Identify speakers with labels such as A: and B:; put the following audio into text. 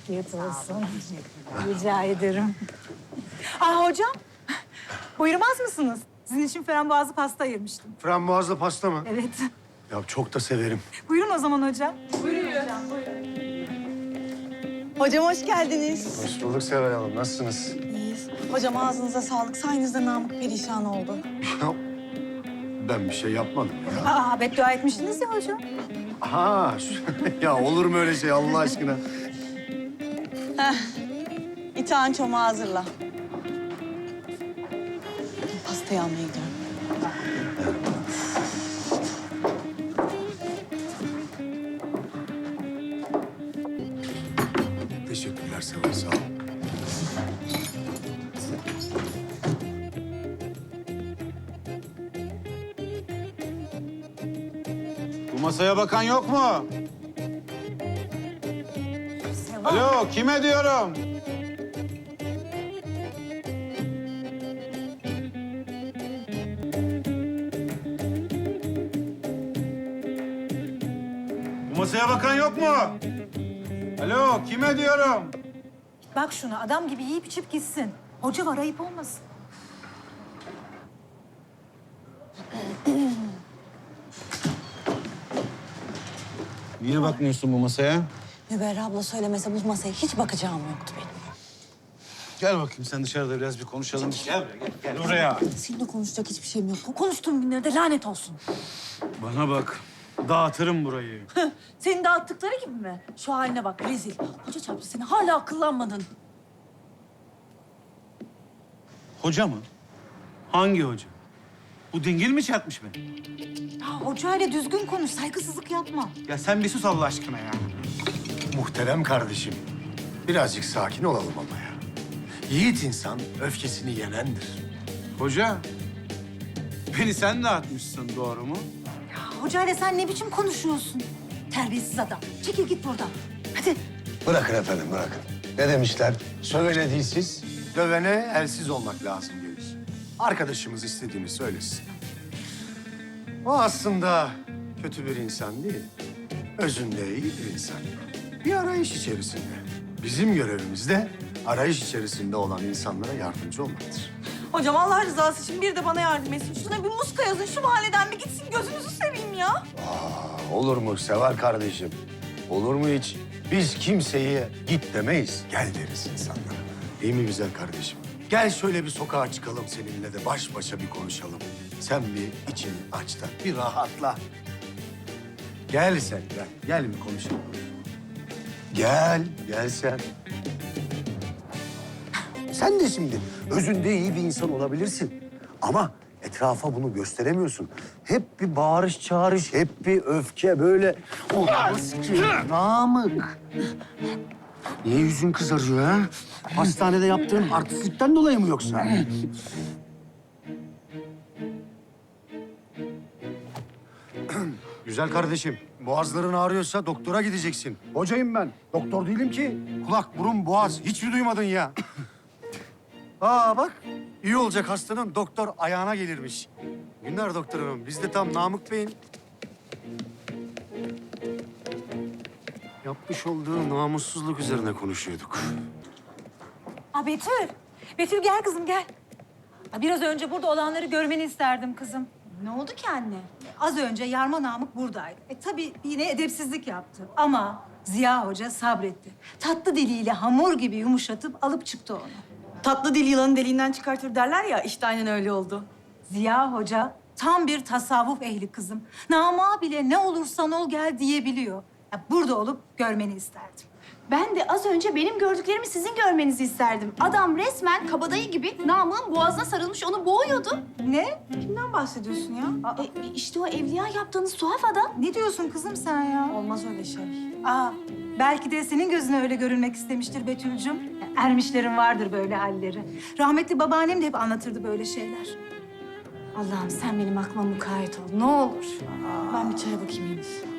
A: Afiyet olsun. Rica ederim. Aa hocam, buyurmaz mısınız? Sizin için frambuazlı pasta ayırmıştım.
B: Frambuazlı pasta mı?
A: Evet.
B: Ya çok da severim.
A: Buyurun o zaman hocam.
C: Hocam hoş geldiniz.
B: Hoş bulduk Seval Hanım. Nasılsınız?
C: İyiyiz. Hocam ağzınıza sağlık. Sayenizde Namık perişan oldu.
B: Ya, ben bir şey yapmadım ya.
A: Aa beddua etmiştiniz ya hocam.
B: Ha, ya olur mu öyle şey Allah aşkına?
C: İtağın çomağı hazırla. Pastayı almaya gidiyorum.
B: Teşekkürler Seval, sağ ol.
D: Bu masaya bakan yok mu?
A: Seval.
D: Alo, kime diyorum? Bu masaya bakan yok mu? Alo, kime diyorum?
A: Bak şuna adam gibi yiyip içip gitsin. Hoca var ayıp olmasın.
D: Niye bakmıyorsun bu masaya?
C: Müberra abla söylemese bu masaya hiç bakacağım yoktu benim.
D: Gel bakayım sen dışarıda biraz bir konuşalım. Gel buraya, gel oraya.
C: Seninle konuşacak hiçbir şeyim yok. Bu konuştuğum günlerde lanet olsun.
D: Bana bak, dağıtırım burayı.
C: Senin dağıttıkları gibi mi? Şu haline bak rezil. Hoca çarptı seni hala akıllanmadın.
D: Hoca mı? Hangi hoca? Bu dingil mi çarpmış beni?
A: Ya hocayla düzgün konuş, saygısızlık yapma.
D: Ya sen bir sus Allah aşkına ya.
B: Muhterem kardeşim, birazcık sakin olalım ama ya. Yiğit insan öfkesini yenendir.
D: Hoca, beni sen dağıtmışsın doğru mu?
A: Ya hocayla sen ne biçim konuşuyorsun? Terbiyesiz adam. Çekil git buradan. Hadi.
B: Bırakın efendim, bırakın. Ne demişler? Sövene dilsiz, dövene elsiz olmak lazım gelir. Arkadaşımız istediğini söylesin. O aslında kötü bir insan değil. Özünde iyi bir insan. Bir arayış içerisinde. Bizim görevimiz de arayış içerisinde olan insanlara yardımcı olmaktır.
C: Hocam Allah rızası için bir de bana yardım etsin. Şuna bir muska yazın şu mahalleden bir gitsin gözünüzü seveyim ya.
B: Olur mu Seval kardeşim? Olur mu hiç? Biz kimseye git demeyiz, gel deriz insanlara. Değil mi güzel kardeşim? Gel şöyle bir sokağa çıkalım seninle de baş başa bir konuşalım. Sen bir içini aç da bir rahatla. Gel sen, gel. Gel bir konuşalım. Gel sen. Sen de şimdi özünde iyi bir insan olabilirsin. Ama etrafa bunu gösteremiyorsun. Hep bir bağırış çağırış, hep bir öfke böyle. Olmaz ki. Namık. Niye yüzün kızarıyor ha? Hastanede yaptığın artistlikten dolayı mı yoksa? Güzel kardeşim, boğazların ağrıyorsa doktora gideceksin. Hocayım ben, doktor değilim ki. Kulak, burun, boğaz hiç mi duymadın ya? Aa bak, iyi olacak hastanın doktor ayağına gelirmiş. Günler doktor hanım, biz de tam Namık Bey'in yapmış olduğu namussuzluk üzerine konuşuyorduk.
A: Aa Betül. Betül gel kızım gel. Aa, biraz önce burada olanları görmeni isterdim kızım.
E: Ne oldu ki anne?
A: Az önce Yarma Namık buradaydı. Tabii yine edepsizlik yaptı. Ama Ziya Hoca sabretti. Tatlı diliyle hamur gibi yumuşatıp alıp çıktı onu.
C: Tatlı dil yılanın deliğinden çıkartır derler ya işte aynen öyle oldu.
A: Ziya Hoca tam bir tasavvuf ehli kızım. Nama bile ne olursan ol gel diyebiliyor. Ya, burada olup görmeni isterdim.
E: Ben de az önce benim gördüklerimi sizin görmenizi isterdim. Adam resmen kabadayı gibi Namık'ın boğazına sarılmış onu boğuyordu.
A: Ne?
C: Kimden bahsediyorsun ya?
E: İşte o evliya yaptığınız tuhaf adam.
A: Ne diyorsun kızım sen ya?
C: Olmaz öyle şey.
A: Aa, belki de senin gözüne öyle görünmek istemiştir Betül'cüm. Ermişlerin vardır böyle halleri. Rahmetli babaannem de hep anlatırdı böyle şeyler.
E: Allah'ım sen benim aklıma mukayyet ol ne olur.
C: Ben bir çaya bakayım henüz.